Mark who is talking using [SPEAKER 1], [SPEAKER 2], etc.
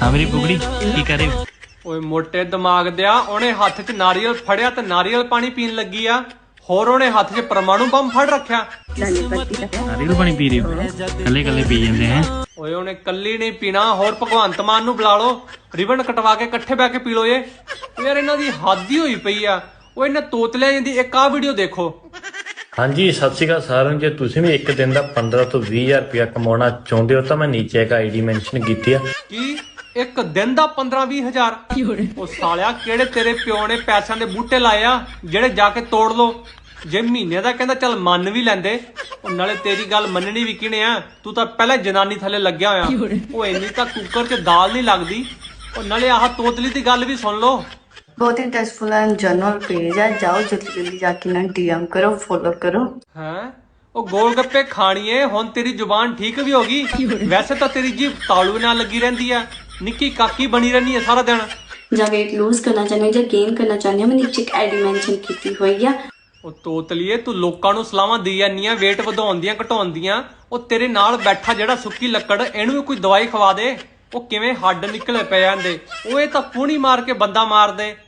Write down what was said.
[SPEAKER 1] हाँ मेरी बुगड़ी की करे।
[SPEAKER 2] ਓਏ ਮੋਟੇ ਦਿਮਾਗ ਦਿਆ ਉਹਨੇ ਹੱਥ 'ਚ ਨਾਰੀਅਲ ਫੜਿਆ ਤੇ ਨਾਰੀਅਲ ਪਾਣੀ ਪੀਣ ਲੱਗੀ ਆ ਹੋਰ ਉਹਨੇ ਹੱਥ 'ਚ ਪਰਮਾਣੂ ਬੰਬ ਫੜ ਰੱਖਿਆ
[SPEAKER 1] नारियल पानी पी रही हो कले कले पी जाते हैं।
[SPEAKER 2] ਓਏ ਉਹਨੇ ਕੱਲੀ ਨਹੀਂ ਪੀਣਾ ਹੋਰ ਭਗਵੰਤ ਮਾਨ ਨੂੰ ਬੁਲਾ ਲਓ ਰਿਬਨ ਕਟਵਾ ਕੇ ਇਕੱਠੇ ਬੈ ਕੇ ਪੀ ਲਓ ਯਾਰ ਇਹਨਾਂ ਦੀ ਹੱਦ ਹੀ ਹੋਈ ਪਈ ਆ। ਓਏ ਇਹਨਾਂ ਤੋਤਲਿਆਂ ਜਾਂਦੀ ਇੱਕ ਆ ਵੀਡੀਓ ਦੇਖੋ।
[SPEAKER 3] ਹਾਂਜੀ ਸਤਿ ਸ਼੍ਰੀ ਅਕਾਲ ਸਾਰਿਆਂ ਨੂੰ। ਜੇ ਤੁਸੀਂ ਵੀ ਇੱਕ ਦਿਨ ਦਾ 15 ਤੋਂ 20,000 ਰੁਪਇਆ ਕਮਾਉਣਾ ਚਾਹੁੰਦੇ ਹੋ ਤਾਂ ਮੈਂ ਨੀਚੇ ਇੱਕ ਆਈਡੀ ਮੈਂਸ਼ਨ ਕੀਤੀ ਆ।
[SPEAKER 2] ਕੀ ਇੱਕ ਦਿਨ ਦਾ 15-20 ਹਜ਼ਾਰ? ਉਹ ਸਾਲਿਆ ਕਿਹੜੇ ਤੇਰੇ ਪਿਓ ਨੇ ਪੈਸਿਆਂ ਦੇ ਬੂਟੇ ਲਾਏ ਆ ਜਿਹੜੇ ਜਾ ਕੇ ਤੋੜ ਲੋ। ਜੇ ਮਹੀਨੇ ਦਾ ਕਹਿੰਦਾ ਚੱਲ ਮੰਨ ਵੀ ਲੈਂਦੇ। ਉਹ ਨਾਲੇ ਤੇਰੀ ਗੱਲ ਮੰਨਣੀ ਵੀ ਕਿਹਨੇ ਆ? ਤੂੰ ਤਾਂ ਪਹਿਲਾਂ ਜਨਾਨੀ ਥੱਲੇ ਲੱਗਿਆ ਹੋਇਆ। ਉਹ ਇੰਨੀ ਤਾਂ ਕੁੱਕਰ 'ਚ ਦਾਲ ਨਹੀਂ ਲੱਗਦੀ। ਉਹ ਨਾਲੇ ਆਹ ਤੋਤਲੀ ਦੀ ਗੱਲ ਵੀ ਸੁਣ ਲਓ।
[SPEAKER 4] बहुत इंटरेस्टफुल एंड जनरल पेज है, जाओ जल्दी जल्दी जाके ना डीएम करो, फॉलो करो।
[SPEAKER 2] हैं ਉਹ ਗੋਲ ਗੱਪੇ ਖਾਣੀਏ ਹੁਣ ਤੇਰੀ ਜ਼ੁਬਾਨ ਠੀਕ ਵੀ ਹੋ ਗਈ। ਵੈਸੇ ਤਾਂ ਤੇਰੀ ਜੀਭ ਤਾਲੂ ਨਾਲ ਲੱਗੀ ਰਹਿੰਦੀ ਆ ਨਿੱਕੀ ਕਾਕੀ ਬਣੀ ਰਹਿੰਦੀ ਆ ਸਾਰਾ ਦਿਨ।
[SPEAKER 4] ਜਾਂ weight lose करना चाहते हो या गेन करना चाहते हो, मैं नीचे एक आईडी मेंशन की हुई है।
[SPEAKER 2] ਉਹ ਤੋਤਲੀਏ ਤੂੰ ਲੋਕਾਂ ਨੂੰ ਸਲਾਹਾਂ ਦੇ ਜਾਂਦੀ ਆ weight ਵਧਾਉਣ ਦੀਆਂ ਘਟਾਉਣ ਦੀਆਂ। ਉਹ ਤੇਰੇ ਨਾਲ ਬੈਠਾ ਜਿਹੜਾ ਸੁੱਕੀ ਲੱਕੜ ਇਹਨੂੰ ਵੀ ਕੋਈ ਦਵਾਈ ਖਵਾ ਦੇ। ਉਹ ਕਿਵੇਂ ਹੱਡ ਨਿਕਲੇ ਪਏ ਜਾਂਦੇ। ਉਹ ਇਹ ਤਾਂ ਪੂਣੀ ਮਾਰ ਕੇ ਬੰਦਾ ਮਾਰ ਦੇ।